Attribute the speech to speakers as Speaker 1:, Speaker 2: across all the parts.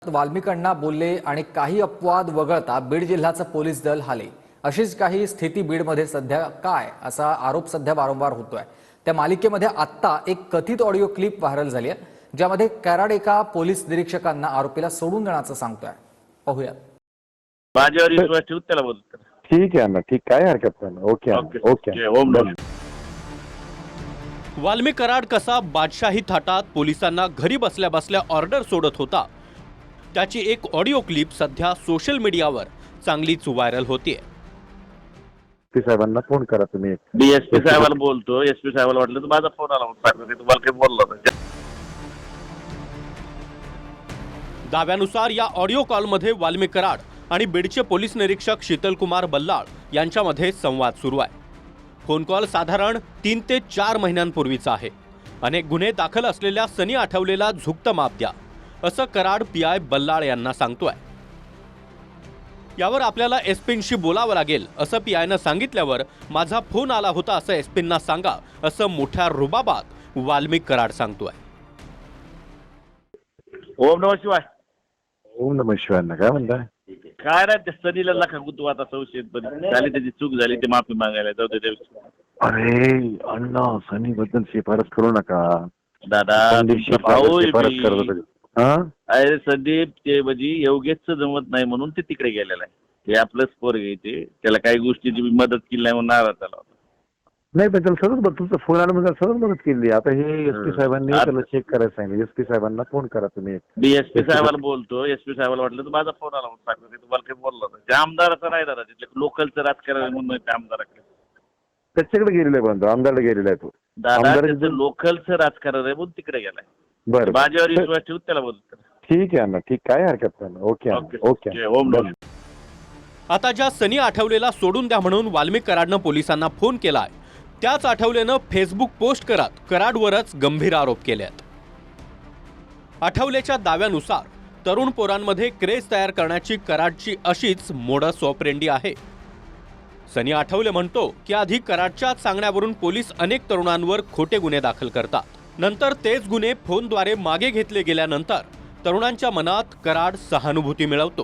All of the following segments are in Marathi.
Speaker 1: वाल्मिकांना बोलले आणि काही अपवाद वगळता बीड जिल्ह्याचं पोलीस दल हाले अशीच काही स्थिती बीडमध्ये सध्या काय असा आरोप सध्या वारंवार होतोय। त्या मालिकेमध्ये आत्ता एक कथित ऑडिओ क्लिप व्हायरल झाली आहे ज्यामध्ये कराड एका पोलीस निरीक्षकांना आरोपीला सोडून देण्याचं सांगतोय। पाहूया।
Speaker 2: माझ्यावर विश्वास ठेवून त्याला बोलतो।
Speaker 3: ठीक आहे ना, ठीक, काय हरकत नाही। ओके ओके
Speaker 2: ओम नमः।
Speaker 4: वाल्मिक कराड कसा बादशाही थाटात पोलिसांना घरी बसल्या बसल्या ऑर्डर सोडत होता त्याची एक ऑडिओ क्लिप सध्या सोशल मीडियावर चांगलीच व्हायरल होतीये।
Speaker 3: एसपी साहेबांना फोन करा तुम्ही।
Speaker 2: डीएसपी साहेबाला बोलतो। एसपी साहेबाला वाटलं तर माझा फोन आला म्हणून तुम्हाला काही बोललो होता।
Speaker 4: दाव्यानुसार या ऑडिओ कॉलमध्ये वाल्मिक कराड आणि बीडचे पोलीस निरीक्षक शीतलकुमार बल्लाळ यांच्यामध्ये संवाद सुरू आहे। फोन कॉल साधारण 3 ते 4 महिन्यांपूर्वीचा आहे। अनेक गुन्हे दाखल असलेल्या सनी आठवलेला झुकतं माप द्या असं कराड पीआय बल्लाळ यांना सांगतोय। यावर आपल्याला एसपींशी बोलावं लागेल असं पीआयनं सांगितल्यावर माझा फोन आला होता असं एसपींना सांगा असं मोठ्या रुबाबात वाल्मिक कराड सांगतोय।
Speaker 2: ओम नमः शिवाय।
Speaker 3: ओम नमः शिवाय। काय म्हणताय?
Speaker 2: काय नाही, त्या सनीला लखा तू आता संशयित झाली, त्याची चूक झाली, ते माफी मागायला जाऊ दे।
Speaker 3: अरे अण्णा, सनी बद्दल शिफारस करू नका
Speaker 2: दादा।
Speaker 3: शिफारस करत होते।
Speaker 2: अरे संदीप, ते म्हणजे योगेशचं जमत नाही म्हणून ते तिकडे गेलेलं आहे। ते आपलंच पोर घ्यायचे, त्याला काही गोष्टीची मदत केली नाही म्हणून नाराज झाला होता।
Speaker 3: नाही पण त्याला सतत तुमचा फोन आला म्हणजे सतत मदत केली। आता हे एसपी साहेबांनी त्याला चेक करायला सांगितलं। एसपी साहेबांना फोन करा तुम्ही।
Speaker 2: डीएसपी साहेबाला बोलतो। एसपी साहेबाला वाटलं तर माझा फोन आला म्हणून सांगतो तुम्हाला काही बोललो होता। त्या आमदाराचं नाही दादा, तिथले लोकलचं राजकारण म्हणून त्या आमदाराकडे
Speaker 3: त्याच्याकडे गेलेला आहे, पण आमदारला गेलेला आहे तो।
Speaker 2: दादा त्याचं लोकलचं राजकारण आहे म्हणून तिकडे गेलाय।
Speaker 3: बरं,
Speaker 2: माझ्यावर विश्वास ठेवून त्याला बोलतो।
Speaker 3: ठीक आहे ना, ठीक, काय हरकत नाही। ओके
Speaker 2: ओम नमः।
Speaker 4: आता ज्या सनी आठवलेला सोडून द्या म्हणून वाल्मिक कराडनं पोलिसांना फोन केलाय त्याच आठवलेनं फेसबुक पोस्ट करत कराडवरच गंभीर आरोप केलेत। आठवलेच्या दाव्यानुसार तरुण पोरांमध्ये क्रेज तयार करण्याची कराडची अशीच मोडस ऑपरेंडी आहे। सनी आठवले म्हणतो की आधी कराडच्याच सांगण्यावरून पोलीस अनेक तरुणांवर खोटे गुन्हे दाखल करतात, नंतर तेच गुन्हे फोनद्वारे मागे घेतले गेल्यानंतर तरुणांच्या मनात कराड सहानुभूती मिळवतो।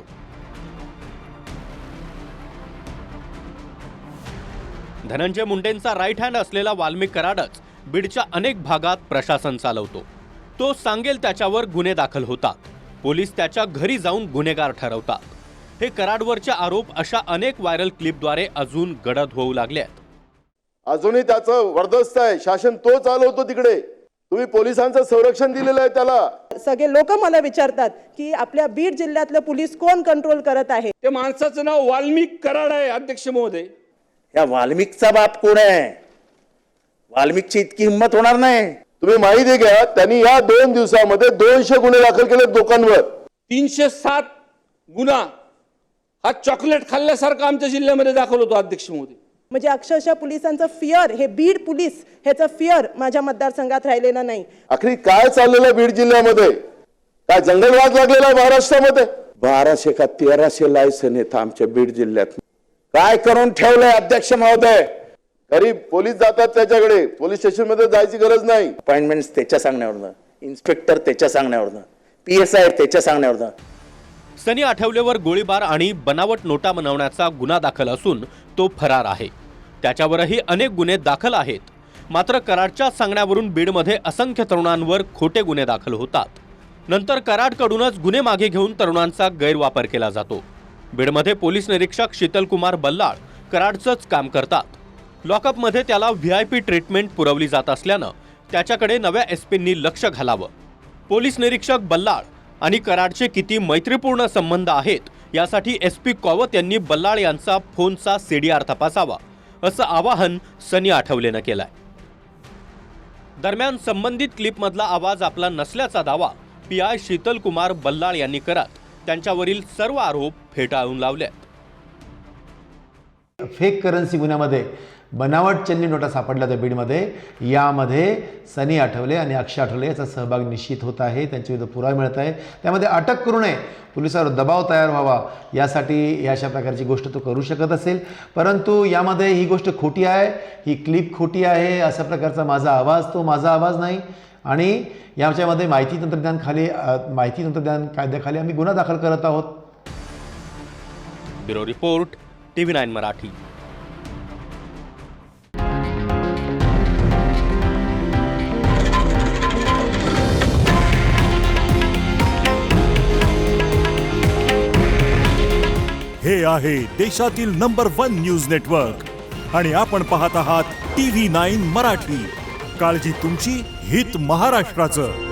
Speaker 4: धनंजय मुंडेंचा राईट हँड असलेला वाल्मिक कराडच बीडच्या अनेक भागात प्रशासन चालवतो। तो सांगेल त्याच्यावर गुन्हे दाखल होतात, पोलीस त्याच्या घरी जाऊन गुन्हेगार ठरवतात। हे कराडवरचे आरोप अशा अनेक व्हायरल क्लिपद्वारे अजून गडद होऊ लागले आहेत।
Speaker 5: अजूनही त्याचं वर्दस्त आहे, शासन तो चालवतो तिकडे। तुम्ही पोलिसांचं संरक्षण दिलेलं आहे त्याला।
Speaker 6: सगळे लोक मला विचारतात की आपल्या बीड जिल्ह्यातलं पोलीस कोण कंट्रोल करत आहे।
Speaker 7: त्या माणसाचं नाव वाल्मिक कराड आहे अध्यक्ष महोदय।
Speaker 8: या वाल्मिकचा बाप कोण आहे? वाल्मिकची इतकी हिंमत होणार नाही।
Speaker 5: तुम्ही माहिती घ्या, त्यांनी या 2 दिवसामध्ये 200 गुन्हे दाखल केले लोकांवर।
Speaker 7: 307 गुन्हा हा चॉकलेट खाल्ल्यासारखा आमच्या जिल्ह्यामध्ये दाखल होतो अध्यक्ष महोदय।
Speaker 6: म्हणजे अक्षरशः पोलिसांचं फिअर, हे बीड पोलीस ह्याचं फिअर माझ्या मतदारसंघात राहिलेलं नाही।
Speaker 5: आखरी काय चाललेलं आहे बीड जिल्ह्यामध्ये? काय जंगलवाद लागलेला आहे महाराष्ट्रामध्ये?
Speaker 8: 1200 का 1300 लायसन आहेत आमच्या बीड जिल्ह्यात। काय करून ठेवलंय अध्यक्ष महोदय?
Speaker 5: घरी पोलीस जातात त्याच्याकडे, पोलीस स्टेशन मध्ये जायची गरज नाही।
Speaker 8: अपॉइंटमेंट त्याच्या सांगण्यावरनं, इन्स्पेक्टर त्याच्या सांगण्यावरनं, पीएसआय त्याच्या सांगण्यावरनं।
Speaker 4: सनी आठवलेवर गोळीबार आणि बनावट नोटा बनवण्याचा गुन्हा दाखल असून तो फरार आहे। त्याच्यावरही अनेक गुन्हे दाखल आहेत, मात्र कराडच्या सांगण्यावरून बीडमध्ये असंख्य तरुणांवर खोटे गुन्हे दाखल होतात। नंतर कराडकडूनच गुन्हे मागे घेऊन तरुणांचा गैरवापर केला जातो। बीडमध्ये पोलीस निरीक्षक शीतलकुमार बल्लाळ कराडचंच काम करतात। लॉकअपमध्ये त्याला व्हीआयपी ट्रीटमेंट पुरवली जात असल्यानं त्याच्याकडे नव्या एसपींनी लक्ष घालावं। पोलीस निरीक्षक बल्लाळ आणि कराडचे किती मैत्रीपूर्ण संबंध आहेत यासाठी एसपी कॉवत यांनी बल्लाळ यांचा फोनचा सीडीआर तपासावा असं आवाहन सनी आठवलेनं केलंय। दरम्यान संबंधित क्लिपमधला आवाज आपला नसल्याचा दावा पीआय शीतलकुमार बल्लाळ यांनी करत त्यांच्यावरील सर्व आरोप फेटाळून लावले।
Speaker 9: फेक करन्सी गुन्ह्यामध्ये बनावट चलनी नोटा सापडल्या त्या बीडमध्ये, यामध्ये सनी आठवले आणि अक्षय आठवले याचा सहभाग निश्चित होत आहे। त्यांच्याविरुद्ध पुरावा मिळत आहे, त्यामध्ये अटक करू नये, पोलिसांवर दबाव तयार व्हावा यासाठी अशा प्रकारची गोष्ट तो करू शकत असेल। परंतु यामध्ये ही गोष्ट खोटी आहे, ही क्लिप खोटी आहे, अशा प्रकारचा माझा आवाज नाही। आणि याच्यामध्ये माहिती तंत्रज्ञान कायद्याखाली आम्ही गुन्हा दाखल करत आहोत.
Speaker 4: Bureau report TV9 Marathi.
Speaker 10: हे आहे देशातील नंबर 1 न्यूज नेटवर्क आणि आपण पाहत आहात TV9 मराठी. काळजी तुमची, हित महाराष्ट्राचं.